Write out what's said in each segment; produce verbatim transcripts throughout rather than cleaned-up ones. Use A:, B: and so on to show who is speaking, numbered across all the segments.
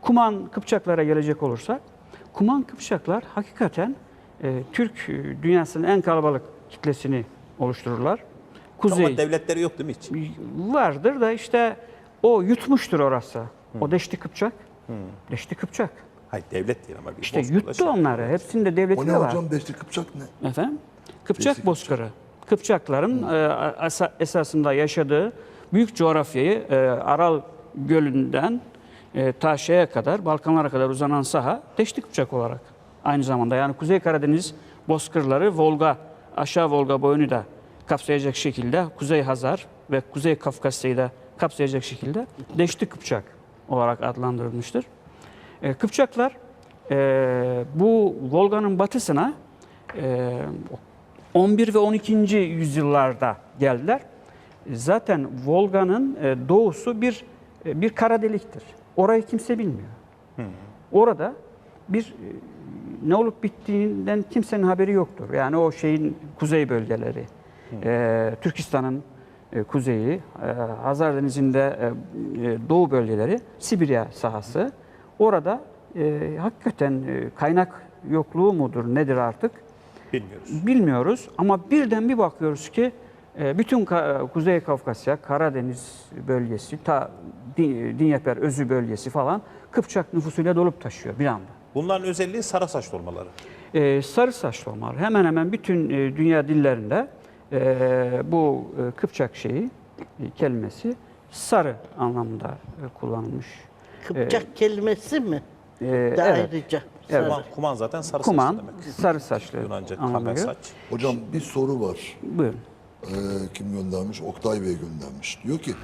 A: Kuman Kıpçaklara gelecek olursak, Kuman Kıpçaklar hakikaten e, Türk dünyasının en kalabalık kitlesini oluştururlar. Kuzey
B: Ama devletleri yok değil mi hiç?
A: vardır da işte o yutmuştur orası. Hmm. O Deşti Kıpçak. Hmm. Deşti Kıpçak.
B: Hayır devlet değil ama. Bir
A: İşte yuttu şey. onları. Hepsinde devleti
C: O
A: de
C: ne
A: var.
C: hocam? Deşti Kıpçak ne?
A: Efendim? Kıpçak
C: Deşti
A: bozkırı. Kıpçakların hmm. e, esasında yaşadığı büyük coğrafyayı e, Aral Gölü'nden e, ta şeye kadar, Balkanlara kadar uzanan saha Deşti Kıpçak olarak. Aynı zamanda yani Kuzey Karadeniz bozkırları Volga, aşağı Volga boyunu da kapsayacak şekilde Kuzey Hazar ve Kuzey Kafkasya'yı da kapsayacak şekilde Deşti Kıpçak olarak adlandırılmıştır. E, Kıpçaklar e, bu Volga'nın batısına e, on bir ve on ikinci yüzyıllarda geldiler. Zaten Volga'nın e, doğusu bir e, bir kara deliktir. Orayı kimse bilmiyor. Hmm. Orada bir e, ne olup bittiğinden kimsenin haberi yoktur. Yani o şeyin kuzey bölgeleri, hmm. e, Türkistan'ın e, kuzeyi, e, Hazar Denizi'nde e, doğu bölgeleri, Sibirya sahası. Orada e, hakikaten e, kaynak yokluğu mudur, nedir artık?
B: Bilmiyoruz.
A: Bilmiyoruz ama birden bir bakıyoruz ki e, bütün Ka Kuzey Kafkasya, Karadeniz bölgesi, ta Dinyeper Özü bölgesi falan Kıpçak nüfusuyla dolup taşıyor bir anda.
B: Bunların özelliği sarı saçlı olmaları.
A: Ee, sarı saçlı olmaları. Hemen hemen bütün e, dünya dillerinde e, bu e, Kıpçak şeyi, e, kelimesi sarı anlamında e, kullanılmış.
D: Kıpçak
A: ee,
D: kelimesi mi?
A: E,
D: De
A: evet.
D: ayrıca.
A: Evet.
B: Kuman, kuman zaten sarı
A: Kuman,
B: saçlı demek.
A: sarı saçlı
B: Yunanca
A: anlamına
B: kamen
A: geliyor.
B: saç.
C: Hocam bir soru var.
A: Buyurun.
C: Ee, kim göndermiş? Oktay Bey göndermiş. Diyor ki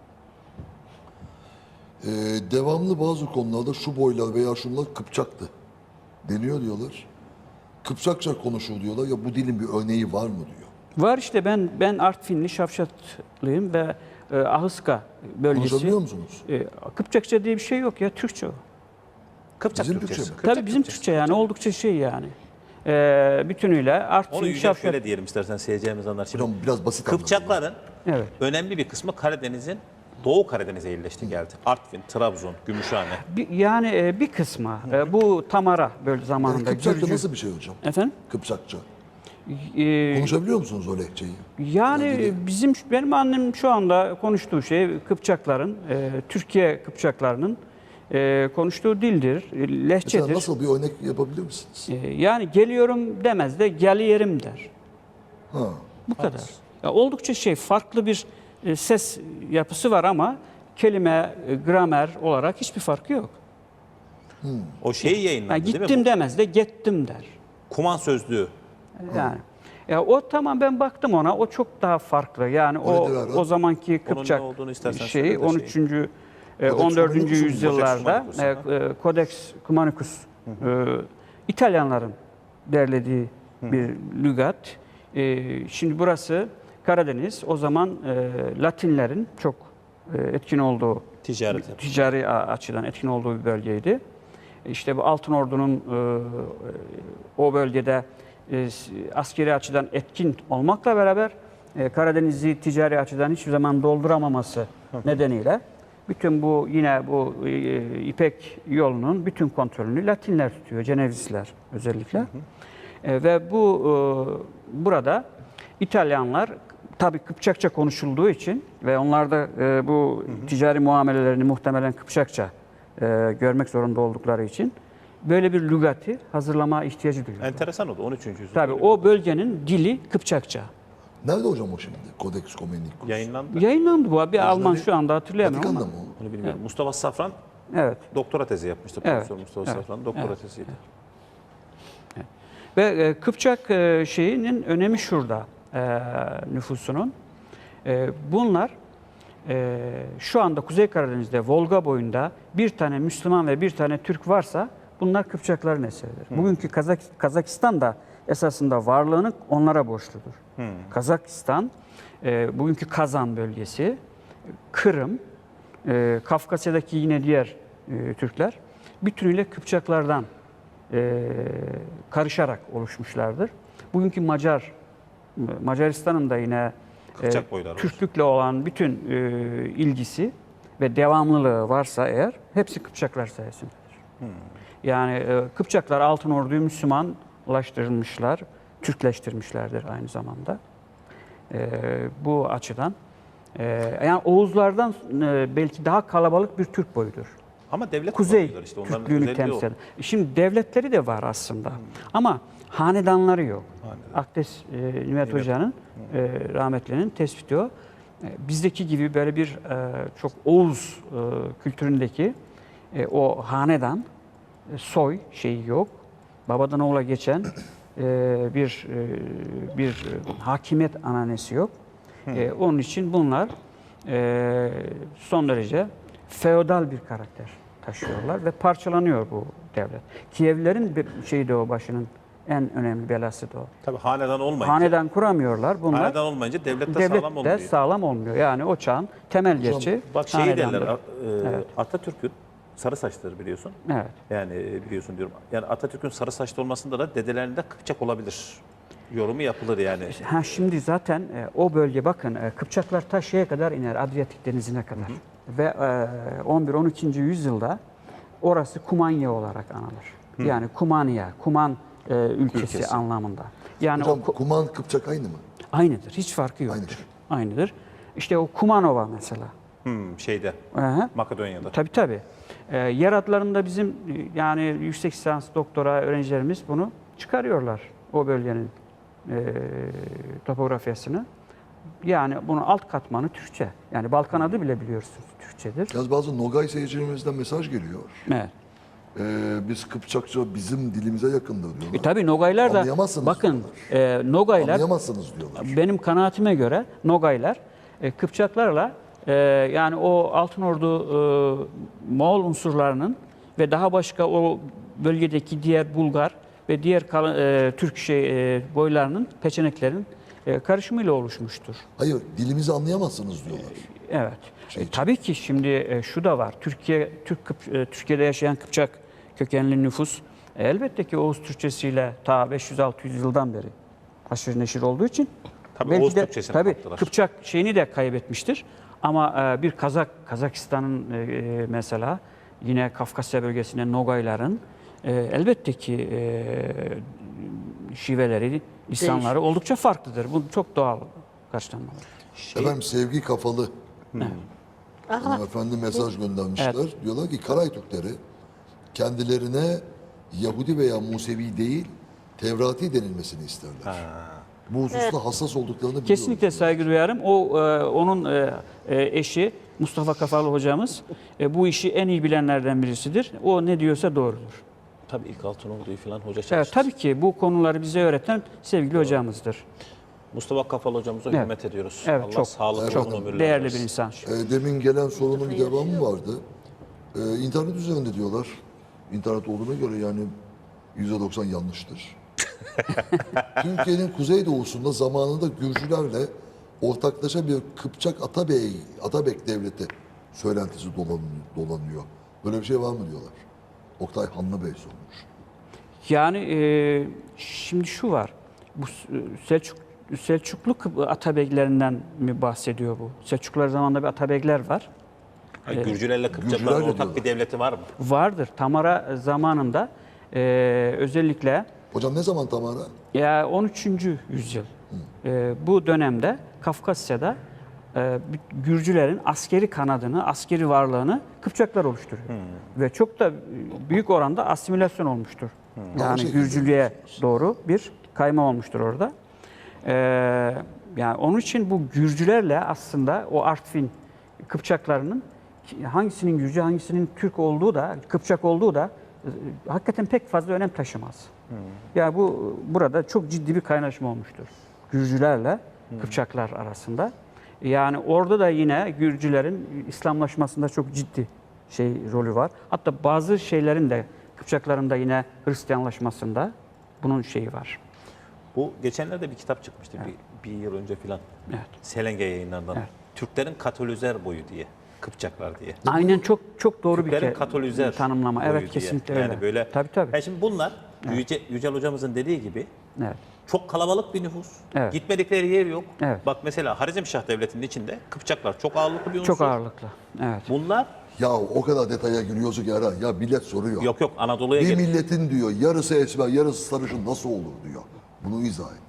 C: e, devamlı bazı konularda şu boylar veya şunlar Kıpçaktı deniyor diyorlar. Kıpçakça konuşur diyorlar. Ya bu dilin bir örneği var mı diyor.
A: Var işte ben ben Artvinli, Şavşatlıyım ve e, Ahıska bölgesi.
C: Konuşabiliyor musunuz?
A: E, Kıpçakça diye bir şey yok ya, Türkçe o.
B: Kıpçak
C: Bizim
B: Türkçesi.
C: Türkçe mi?
B: Kıpçak
A: Tabii bizim
B: Türkçesi.
A: Türkçe yani oldukça şey yani. E, bütünüyle
B: Onu
A: Artvin,
B: yüce
A: Şavşat.
B: şöyle diyelim istersen seyircilerimiz anlar. Şimdi
C: Hocam biraz basit anlatın.
B: Kıpçakların
A: Evet.
B: önemli bir kısmı Karadeniz'in Doğu Karadeniz'e yerleşti geldi. Artvin, Trabzon, Gümüşhane.
A: Bir, yani e, bir kısmı e, bu Tamara böyle
C: Yani
A: zamanında.
C: Kıpçakça
A: Gürcü-
C: nasıl bir şey hocam?
A: Efendim?
C: Kıpçakça.
A: E,
C: Konuşabiliyor musunuz o lehçeyi?
A: Yani
C: ilgili-
A: bizim benim annem şu anda konuştuğu şey Kıpçakların, e, Türkiye Kıpçaklarının e, konuştuğu dildir, e, lehçedir.
C: Mesela nasıl bir örnek yapabilir misiniz?
A: E, yani geliyorum demez de geliyerim der.
C: Ha.
A: Bu kadar. Ya oldukça şey farklı bir e, ses yapısı var ama kelime, e, gramer olarak hiçbir farkı yok.
B: O şeyi yayınlandı
A: Yani
B: değil mi?
A: gittim
B: Bu
A: demez de gittim der.
B: Kuman sözlüğü.
A: Yani ya o tamam ben baktım ona o çok daha farklı. Yani
C: O
A: o
C: nedir abi?
A: o zamanki
B: Onun
A: Kıpçak
B: ne olduğunu istersen
A: şeyi
B: söyle de
A: on üçüncü e,
C: Codex
A: on dördüncü
C: Cumanicus mu?
A: yüzyıllarda
B: Codex
A: e,
B: Cumanicus,
A: e, Codex Cumanicus e, İtalyanların derlediği bir lügat. E, şimdi burası Karadeniz. O zaman e, Latinlerin çok e, etkin olduğu,
B: Ticaret.
A: ticari a- açıdan etkin olduğu bir bölgeydi. İşte bu Altın Ordu'nun e, o bölgede e, askeri açıdan etkin olmakla beraber e, Karadeniz'i ticari açıdan hiçbir zaman dolduramaması nedeniyle bütün bu yine bu e, İpek yolunun bütün kontrolünü Latinler tutuyor, Cenevizler özellikle. E, ve bu e, burada İtalyanlar tabii Kıpçakça konuşulduğu için ve onlar da e, bu ticari muamelelerini muhtemelen Kıpçakça e, görmek zorunda oldukları için böyle bir lügati hazırlama ihtiyacı duyuyor.
B: Enteresan oldu on üçüncü yüzyılda.
A: Tabii
B: böyle
A: o bölgenin dili Kıpçakça.
C: Nerede hocam o şimdi? Codex Cumanicus.
B: yayınlandı.
A: Yayınlandı bu. Bir Alman şu anda hatırlayamıyorum
C: Vatikan'da
A: ama.
C: mı o?
B: Onu bilmiyorum. Mustafa Safran
A: Evet.
B: doktora tezi yapmıştı.
A: Evet,
B: Profesör Mustafa
A: evet,
B: Safran doktora
A: evet,
B: teziydi.
A: Ve e, Kıpçak e, şeyinin önemi şurada e, nüfusunun. E, bunlar e, şu anda Kuzey Karadeniz'de Volga boyunda bir tane Müslüman ve bir tane Türk varsa bunlar Kıpçakların eseridir. Bugünkü Kazak, Kazakistan da esasında varlığını onlara borçludur.
B: Hmm.
A: Kazakistan, e, bugünkü Kazan bölgesi, Kırım, e, Kafkasya'daki yine diğer e, Türkler bütünüyle Kıpçaklardan e, karışarak oluşmuşlardır. Bugünkü Macar, Macaristan'ın da yine e,
B: Kıpçak boyları var.
A: Türklükle olan bütün e, ilgisi ve devamlılığı varsa eğer hepsi Kıpçaklar sayesindedir. Yani e, Kıpçaklar Altın Ordu'yu Müslümanlaştırmışlar, Türkleştirmişlerdir aynı zamanda. E, bu açıdan e, yani Oğuzlardan e, belki daha kalabalık bir Türk boyudur.
B: Ama devlet
A: Kuzey
B: kullanıyorlar işte. Onların
A: Türklüğünü
B: özelliği o.
A: temsil eden. Şimdi devletleri de var aslında. Hmm. Ama hanedanları yok.
B: Hanedan.
A: Akdes e, Nimet Hoca'nın, e, rahmetlinin tespiti o. E, bizdeki gibi böyle bir e, çok Oğuz e, kültüründeki e, o hanedan, e, soy şeyi yok. Babadan oğula geçen e, bir e, bir e, hakimiyet ananesi yok. E, onun için bunlar e, son derece feodal bir karakter taşıyorlar ve parçalanıyor bu devlet. Kievlilerin bir şeyi de o, başının en önemli belası da o.
B: Tabii hanedan olmayınca.
A: Hanedan kuramıyorlar bunlar.
B: Hanedan olmayınca devlet de
A: Devlet
B: sağlam
A: de
B: olmuyor.
A: sağlam olmuyor. Yani o çağın temel gerçeği
B: Bak şeyi
A: hanedandır.
B: derler, e,
A: Evet.
B: Atatürk'ün sarı saçları biliyorsun.
A: Evet.
B: Yani e, biliyorsun diyorum. Yani Atatürk'ün sarı saçlı olmasında da dedelerinde Kıpçak olabilir. Yorumu yapılır yani.
A: Ha şimdi zaten e, o bölge bakın e, Kıpçaklar ta şeye kadar iner, Adriyatik Denizi'ne kadar. Hı hı. Ve e, on bir on ikinci yüzyılda orası Kumanya olarak anılır. Hı. Yani Kumanya, Kuman e, ülkesi,
B: Ülkesi
A: anlamında. Yani
C: Hocam
A: o,
C: Kuman Kıpçak aynı mı?
A: aynıdır. Hiç farkı yoktur.
C: Aynıdır.
A: Aynıdır. İşte o Kumanova mesela.
B: Hmm, şeyde
A: Aha.
B: Makedonya'da.
A: Tabii tabii. Ee, yer adlarında bizim e, yani yüksek lisans doktora öğrencilerimiz bunu çıkarıyorlar. O bölgenin e, topografyasını. Yani bunun alt katmanı Türkçe. Yani Balkan adı bile biliyorsunuz Türkçedir.
C: Yalnız bazı Nogay seyircilerimizden mesaj geliyor.
A: Evet.
C: Ee, biz Kıpçakça bizim dilimize yakındır diyorlar.
A: E, tabii Nogaylar da
C: Anlayamazsınız
A: bakın e, Nogaylar
C: Anlayamazsınız diyorlar.
A: benim kanaatime göre Nogaylar e, Kıpçaklarla e, yani o Altın Ordu e, Moğol unsurlarının ve daha başka o bölgedeki diğer Bulgar ve diğer kal- e, Türk şey e, boylarının, peçeneklerin e, karışımıyla oluşmuştur.
C: Hayır, dilimizi anlayamazsınız diyorlar.
A: Evet.
C: Şey
A: E,
C: için.
A: tabii ki şimdi e, şu da var. Türkiye Türk Kıp- e, Türkiye'de yaşayan Kıpçak kökenli nüfus e, elbette ki Oğuz Türkçesiyle ta beş yüz altı yüz yıldan beri haşır neşir olduğu için
B: Tabii
A: belki
B: Oğuz
A: de
B: Türkçesini
A: tabii
B: kaptılar.
A: Kıpçak şeyini de kaybetmiştir. Ama e, bir Kazak Kazakistan'ın e, e, mesela yine Kafkasya bölgesinde Nogayların e, elbette ki e, şiveleri, lisanları oldukça farklıdır. Bu çok doğal karşılanmalı.
C: Efendim sevgi kafalı. Efendim mesaj göndermişler. Diyorlar ki Karay Türkleri kendilerine Yahudi veya Musevi değil Tevrati denilmesini isterler. Bu hususta hassas olduklarını biliyoruz.
A: Kesinlikle saygı duyarım. O e, onun e, e, eşi Mustafa Kafalı hocamız e, bu işi en iyi bilenlerden birisidir. O ne diyorsa doğrudur.
B: Tabii ilk altın olduğu falan hoca
A: Evet,
B: çalıştı.
A: tabii ki bu konuları bize öğreten sevgili hocamızdır.
B: Mustafa Kafalı hocamıza
A: Evet.
B: hürmet ediyoruz.
A: Evet,
B: Allah
A: çok-
B: sağlıklı
C: çok
B: uzun ömürler
A: Değerli
B: versin.
A: bir insan.
C: E, demin gelen sorunun bir devamı vardı. E, internet üzerinde diyorlar. İnternet olduğuna göre yani yüzde doksan yanlıştır. Türkiye'nin kuzeydoğusunda zamanında Gürcülerle ortaklaşa bir Kıpçak Atabey, Atabek devleti söylentisi dolanıyor, dolanıyor. Böyle bir şey var mı diyorlar. Oktay Hanlı Bey sormuş.
A: Yani e, şimdi şu var. Bu Selçuk Selçuklu Kıp- Atabeylerinden mi bahsediyor bu? Selçuklular zamanında bir Atabeyler var.
B: Hayır, Gürcülerle Kıpçakların
C: Gürcülerle
B: ortak
C: diyorlar.
B: bir devleti var mı?
A: Vardır. Tamara zamanında e, özellikle
C: Hocam ne zaman Tamara?
A: ya on üçüncü yüzyıl e, bu dönemde Kafkasya'da e, Gürcülerin askeri kanadını, askeri varlığını Kıpçaklar oluşturuyor. Ve çok da büyük oranda asimilasyon olmuştur.
C: O
A: Yani
C: şekilde
A: Gürcülüğe doğru bir kayma olmuştur orada. E, yani onun için bu Gürcülerle aslında o Artvin Kıpçaklarının hangisinin Gürcü, hangisinin Türk olduğu da, Kıpçak olduğu da e, hakikaten pek fazla önem taşımaz. Ya bu burada çok ciddi bir kaynaşma olmuştur. Gürcülerle Kıpçaklar arasında. Yani orada da yine Gürcülerin İslamlaşmasında çok ciddi şey rolü var. Hatta bazı şeylerin de Kıpçakların da yine Hristiyanlaşmasında bunun şeyi var.
B: Bu geçenlerde bir kitap çıkmıştı bir, bir yıl önce filan.
A: Evet.
B: Selenge yayınlarından.
A: Evet.
B: Türklerin Katolizer boyu diye. Kıpçaklar diye.
A: Aynen çok çok doğru bir
B: Türklerin
A: ke-
B: Katolizer
A: tanımlama.
B: boyu
A: Evet
B: diye.
A: kesinlikle
B: Yani
A: öyle.
B: böyle.
A: Tabii tabii.
B: Yani şimdi bunlar Yüce, Yücel hocamızın dediği gibi
A: Evet.
B: Çok kalabalık bir nüfus.
A: Evet.
B: Gitmedikleri yer yok.
A: Evet.
B: Bak mesela Harizmşah Devleti'nin içinde Kıpçaklar çok ağırlıklı bir unsur.
A: Çok ağırlıklı. Evet.
B: Bunlar
C: Ya o kadar detaya giriyorsun ki Erhan. Ya millet soruyor.
B: yok yok Anadolu'ya
C: Bir
B: gel.
C: milletin diyor yarısı esmer yarısı sarışın nasıl olur diyor. Bunu izah et.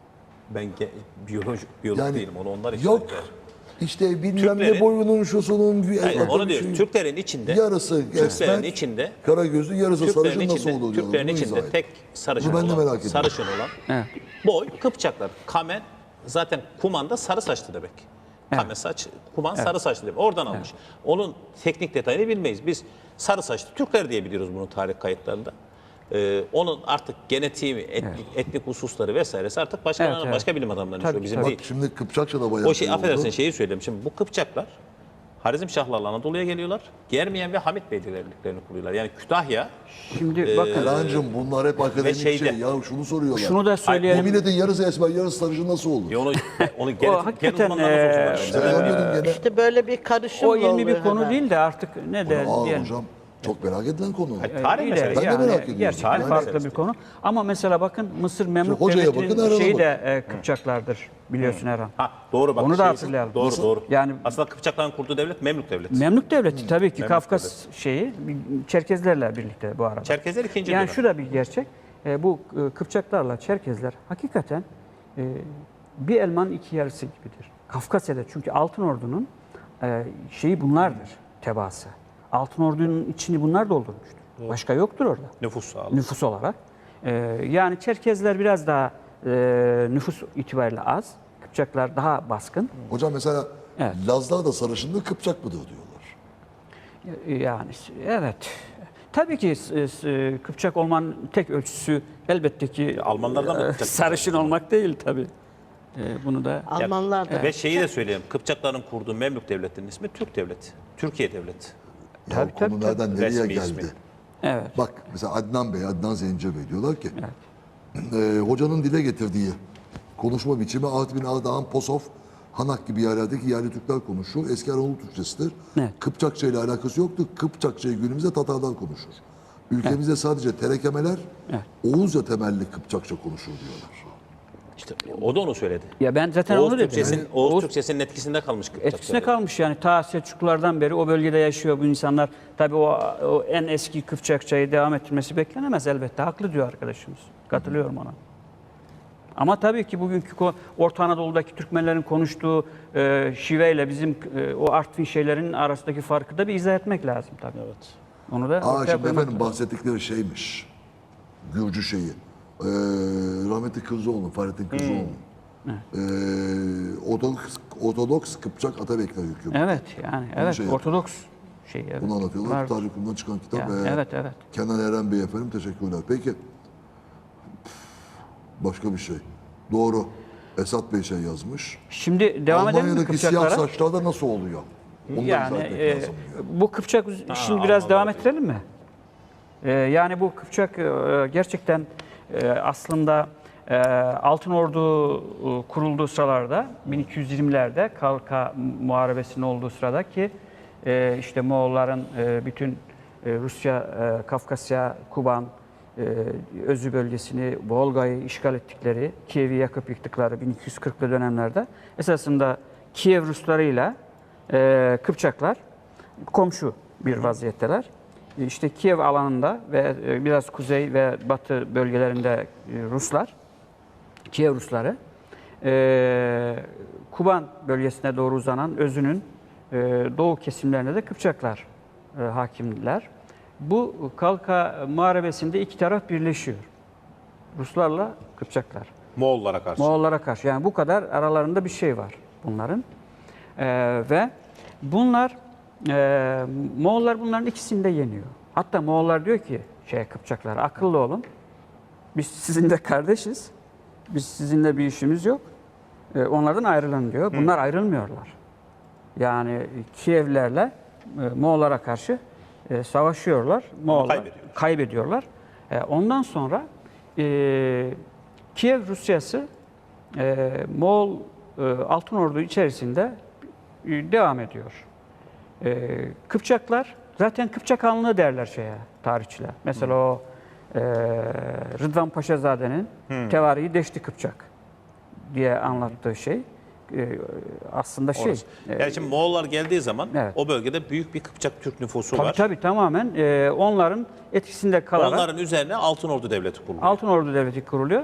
B: Ben ge- biyolog, biyolog
C: Yani
B: değilim onu onlar için.
C: yok işte bilmem ne
B: Türklerin-
C: boyunun şusunun bir
B: Hayır, onu
C: bir
B: diyor.
C: şey-
B: Türklerin içinde
C: yarısı
B: Türklerin
C: esmer,
B: içinde
C: kara gözlü yarısı
B: Türklerin
C: sarışın nasıl
B: içinde,
C: olur diyor.
B: Türklerin
C: Bunu izah
B: içinde
C: et.
B: tek sarışın
C: Bunu ben de
B: olan,
C: merak ediyorum.
B: sarışın olan
A: Evet.
B: boy Kıpçaklar. Kamen zaten Kuman'da sarı saçlı demek. Kamen saç, Kuman sarı saçlı demek. Oradan almış. Onun teknik detayını bilmeyiz. Biz sarı saçlı Türkler diye biliyoruz bunu tarih kayıtlarında. Ee, onun artık genetiği, etnik, etnik hususları vesairesi artık başka
A: Evet, evet.
B: başka bilim adamlarının
A: Tabii,
B: işi, bizim
A: tabii.
B: değil.
C: Bak şimdi Kıpçakça da bayağı
B: O şey
C: oldu.
B: affedersin şeyi söyleyeyim. Şimdi bu Kıpçaklar Harizmşahlarla Anadolu'ya geliyorlar. Germiyen ve Hamit Beyliklerini kuruyorlar. Yani Kütahya
A: Şimdi bakın
C: Erhan'cığım bunlar hep akademik
B: şeyde-
C: şey. Ya şunu soruyorlar.
A: şunu da
C: Bu
A: söyleyelim.
C: milletin yarısı esmer yarısı sarışın nasıl olur?
B: ya onu onu
A: O
B: genetik
A: hakikaten,
B: uzmanlarına
A: eee,
B: sorsunlar.
C: Ben
B: Bize
C: diyordum gene.
D: İşte böyle bir karışım
A: o ilmi
D: oluyor
A: bir konu
D: hemen.
A: değil de artık ne de
C: Aa
A: diyelim.
C: hocam çok merak edilen konu.
B: Hayır, tarih
A: İyi de
B: meselesi.
C: Ben de
A: yani
C: merak ediyorum.
A: Gerçekten
B: Tarih
A: farklı
B: meselesi.
A: bir konu. Ama mesela bakın Mısır Memlük
C: hocaya bakın,
A: Devleti'nin
C: Erhan'a
A: şeyi
C: bakın.
A: de e, Kıpçaklardır biliyorsun Erhan.
B: Ha doğru bak.
A: Onu da
B: şey-
A: hatırlayalım.
B: Doğru
A: Nasıl?
B: doğru.
A: Yani-
B: aslında Kıpçakların kurduğu devlet Memlük devleti.
A: Memlük Devleti tabii ki
B: Memlük
A: Kafkas şeyi Çerkezlerle birlikte bu arada.
B: Çerkezler ikinci
A: Yani
B: dönem.
A: şu da bir gerçek. E, bu e, Kıpçaklarla Çerkezler hakikaten e, bir elmanın iki yarısı gibidir. Kafkasya'da çünkü Altın Ordu'nun e, şeyi bunlardır, tebaası. Altın Ordu'nun içini bunlar doldurmuştur. Başka yoktur orada
B: Nüfus sağlığı.
A: nüfus olarak. E, yani Çerkezler biraz daha e, nüfus itibariyle az. Kıpçaklar daha baskın.
C: Hocam mesela
A: Evet.
C: Lazlar da sarışınlığı Kıpçak mıdır diyorlar.
A: Yani evet. Tabii ki s- s- Kıpçak olmanın tek ölçüsü elbette ki
B: Almanlardan mı
A: e,
B: Kıpçak?
A: sarışın olmak değil tabii. E, bunu da
D: Almanlar da.
B: Ve şeyi de söyleyeyim. Kıpçakların kurduğu Memlük devletinin ismi Türk devleti. Türkiye devleti.
C: Ya
A: Tabii,
C: konu
A: tabii,
C: nereden nereye
B: Resmi
C: geldi?
B: ismi.
A: evet.
C: Bak mesela Adnan Bey, Adnan Zence Bey diyorlar ki e, hocanın dile getirdiği konuşma biçimi Artvin, Ardahan, Posov, Hanak gibi yerlerdeki yerli Türkler konuşur. Eski Anadolu Türkçesidir.
A: Evet.
C: Kıpçakça ile alakası yoktur. Kıpçakçayı günümüzde Tatarlar konuşur. Ülkemizde sadece terekemeler Oğuzca temelli Kıpçakça konuşur diyorlar.
B: İşte o da onu söyledi.
A: Ya ben zaten
B: Oğuz
A: onu dedim.
B: Türkçesinin,
A: Yani
B: Oğuz,
A: Oğuz
B: Türkçesinin etkisinde kalmış Kıpçakça.
A: etkisine kalmış yani ta Selçuklulardan beri o bölgede yaşıyor bu insanlar. Tabii o, o en eski Kıpçakçayı devam ettirmesi beklenemez elbette. Haklı diyor arkadaşımız. Katılıyorum ona. Ama tabii ki bugünkü ko- Orta Anadolu'daki Türkmenlerin konuştuğu e, şiveyle bizim e, o Artvin şeylerin arasındaki farkı da bir izah etmek lazım tabii.
B: Evet.
A: Onu da
C: Aa
A: ortaya
C: şimdi
A: koymak
C: efendim bahsettikleri şeymiş. Gürcü şeyi. Ee, rahmetli Kırzoğlu, Fahrettin Kırzoğlu. Ee, Ortodoks, Ortodoks Kıpçak Atabekler hükümeti.
A: Evet yani evet
C: şey
A: Ortodoks şey evet.
C: Bunu anlatıyorlar.
A: Var.
C: Tarih Kurumu'ndan çıkan kitap.
A: Yani,
C: Ee,
A: evet evet.
C: Kenan Eren Bey efendim teşekkürler. Peki başka bir şey. Doğru. Esat Bey şey yazmış.
A: Şimdi devam edelim mi
C: Almanya'daki siyah
A: Kıpçaklara?
C: saçlarda nasıl oluyor? Onu da
A: Yani
C: izah etmek
A: e,
C: lazım diyor.
A: bu Kıpçak şimdi biraz devam ettirelim mi? E, yani bu Kıpçak e, gerçekten e, aslında e, Altın Ordu e, kurulduğu sıralarda bin iki yüz yirmilerde Kalka Muharebesi'nin olduğu sırada ki e, işte Moğolların e, bütün e, Rusya, e, Kafkasya, Kuban, e, Özü bölgesini, Volga'yı işgal ettikleri, Kiev'i yakıp yıktıkları bin iki yüz kırklı dönemlerde esasında Kiev Ruslarıyla e, Kıpçaklar komşu bir vaziyetteler. İşte Kiev alanında ve e, biraz kuzey ve batı bölgelerinde e, Ruslar, Kiev Rusları, e, Kuban bölgesine doğru uzanan Özü'nün e, doğu kesimlerine de Kıpçaklar e, hakimdiler. Bu Kalka Muharebesi'nde iki taraf birleşiyor. Ruslarla Kıpçaklar.
B: Moğollara karşı.
A: Moğollara karşı. Yani bu kadar aralarında bir şey var bunların. Ee, ve bunlar, e, Moğollar bunların ikisini de yeniyor. Hatta Moğollar diyor ki, şey Kıpçaklar, akıllı olun. Biz sizinle kardeşiz. Biz sizinle bir işimiz yok. Ee, onlardan ayrılın diyor. Bunlar ayrılmıyorlar. Yani Kievlerle e, Moğollara karşı e, savaşıyorlar. Moğollar
B: kaybediyorlar.
A: kaybediyorlar. E, ondan sonra e, Kiev Rusyası e, Moğol e, Altın Ordu içerisinde e, devam ediyor. E, Kıpçaklar zaten Kıpçak Hanlığı derler şeye tarihçiler. Mesela o e, Rıdvan Paşazade'nin Tevarihi Deşti Kıpçak diye anlattığı şey e, aslında şey.
B: Orası. Yani şimdi Moğollar geldiği zaman
A: Evet.
B: o bölgede büyük bir Kıpçak Türk nüfusu
A: Tabii
B: var.
A: tabii tamamen e, onların etkisinde kalarak
B: Onların üzerine Altınordu Devleti kuruluyor.
A: Altınordu Devleti kuruluyor.